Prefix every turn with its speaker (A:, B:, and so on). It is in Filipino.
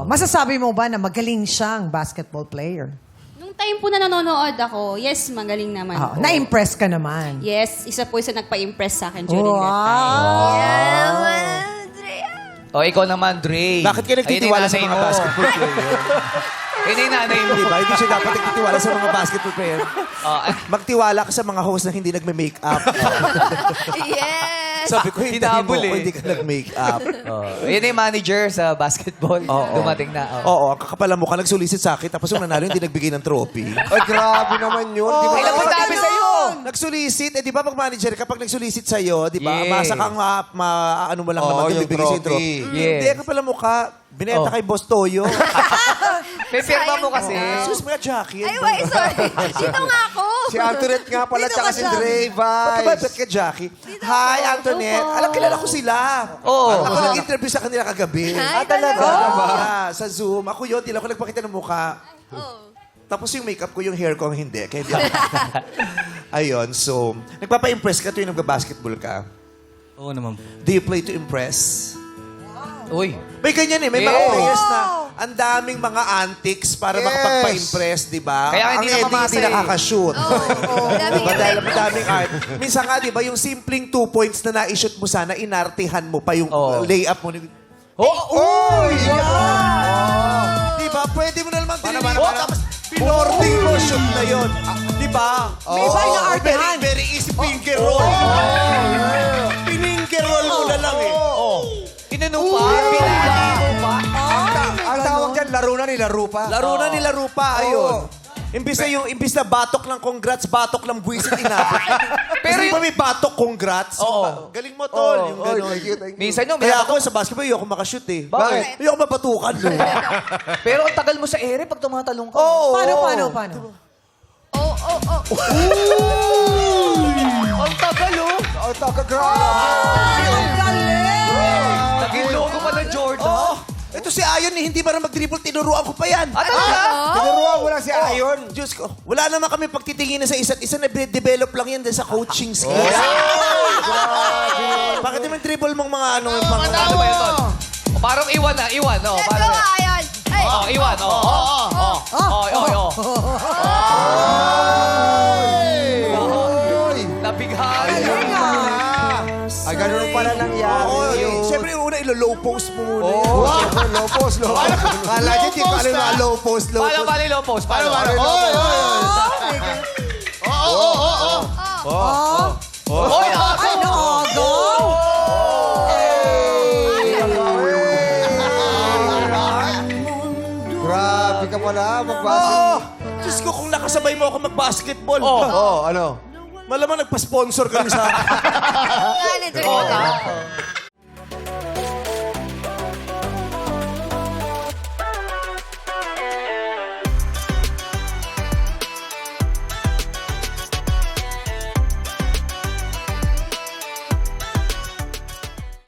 A: Masasabi mo ba na magaling siyang basketball player?
B: Nung time po na nanonood ako, yes, magaling naman po.
A: Na-impress ka naman.
B: Yes, isa po isa nagpa-impress sa akin during that time.
A: Wow!
C: O, ikaw naman, Dre.
D: Bakit ka nagtitiwala sa mga basketball player?
C: Yun yung nanay mo.
D: Diba? Hindi siya dapat nagtitiwala sa mga basketball player. Magtiwala ka sa mga host na hindi nagme-makeup.
E: Yes!
D: Sabi ko, hindi mo
C: Hinabol
D: ko,
C: eh.
D: hindi ka nag-makeup.
C: Yun yung manager sa basketball. Dumating na.
D: Oo, ang kakapala mo ka, nagsulisit sa akin, tapos yung nanalo, hindi nagbigay ng trophy.
F: Ay, grabe naman yun. Di ba?
C: Ilan po sabi sa'yo?
D: Nagsulisit, di ba pag manager, kapag nagsulisit sa'yo, di ba,
C: Yes.
D: masa kang ano mo lang
F: Oo,
D: naman,
F: yung
D: bibigay sa'yo yung trophy.
F: trophy.
C: Yes.
D: Hindi, ang kapala mo ka, binenta kay Boss Toyo.
C: May firma mo kasi.
D: Sus, mga Jackie.
E: Ay, wait, sorry. Dito nga ako.
F: Si Antoinette nga pala,
A: Dito
F: tsaka
A: ka
F: si
A: siya.
F: Dre
D: Ba't ka ba
F: Vice.
D: bet ka, Jackie? Hi, Antoinette. Alam, kilala ko sila.
C: Oo.
D: Ako nag-interview sa kanila kagabi.
E: Hi,
C: talaga?
D: Yeah, sa Zoom. Ako yun, di lang ako nagpakita ng mukha.
E: Oh.
D: Tapos yung makeup ko, yung hair ko, ang hindi. Kaya di ako. Ayun, so, nagpapa-impress ka tuwing nagbabasketball ka.
C: Oo naman.
D: Do you play to impress?
C: Uy.
D: May ganyan eh. May mga
C: Yes.
D: players na ang daming mga antics para
F: Yes.
D: makapagpa-impress, di ba?
C: Kaya hindi
D: ang Eddie
C: nakamasa
D: hindi
C: eh.
D: nakakashoot.
E: Daming
D: Diba? Dahil madaming art. Minsan nga, di ba, yung simpleng 2 points na na-shoot mo sana, inartihan mo pa yung
C: Oo.
D: layup mo.
F: Uy!
D: Di ba? Pwede mo na naman dinilipat. Tapos, pinorting mo shoot na yun. Di ba?
A: May iba yung artehan.
D: Very easy finger roll. Pininger roll mo na lang eh.
C: Inano pa? Pinili mo pa?
F: Ang tawag dyan, laro na nilaro pa.
D: Laro na nila rupa, ayun. Imbis na batok ng congrats, batok ng buwisit inabot. Pero di ba may batok congrats?
C: Oo.
D: Galing mo, tol. Yung
F: Oy,
D: gano'n.
F: thank you, thank you.
C: Minsan yung
D: Kaya ako sa basketball, ayoko makashoot eh.
C: Bakit?
D: Ayoko mabatukan. No?
C: Pero ang tagal mo sa ere pag tumatalong ka.
D: Oo.
A: Paano?
E: Oh.
C: Ang tagal, oh.
F: Oh, taka, grabe.
A: Ang galing!
C: Naging logo pa ng Jordan.
D: Oo. Ito si Ayon, eh, hindi ba na mag-dribble, tinuruan ko pa yan.
C: Ah, talaga?
F: Tinuruan mo lang si Ayon.
D: Diyos ko, wala naman kami pagtitingin sa isa't isa, na-develop lang yan din sa coaching skills. Bakit naman dribble mong mga ano, yung mga...
C: Ano ba yun, Tol? O, parang iwan na, iwan. Oh,
E: Let's
C: parang
E: go, Ayon. Ay,
C: Oh, iwan. Nabighan.
F: Ay, ganun pala nangyari
D: Oo,
F: yun.
D: siyempre una, ilo-low post mo muna.
F: Oo, siyempre, low post, low post.
D: Kala niya, di ko alam na low post, low
C: Paano,
D: post.
C: paano, low post? Paano? Oy,
A: Ay, naago!
F: Grabe ka pala, magbasa.
D: Oo! Diyos ko, kung nakasabay mo ako mag-basketball.
F: Oo, ano?
D: Malamang nagpa-sponsor kami sa...
E: manager ko.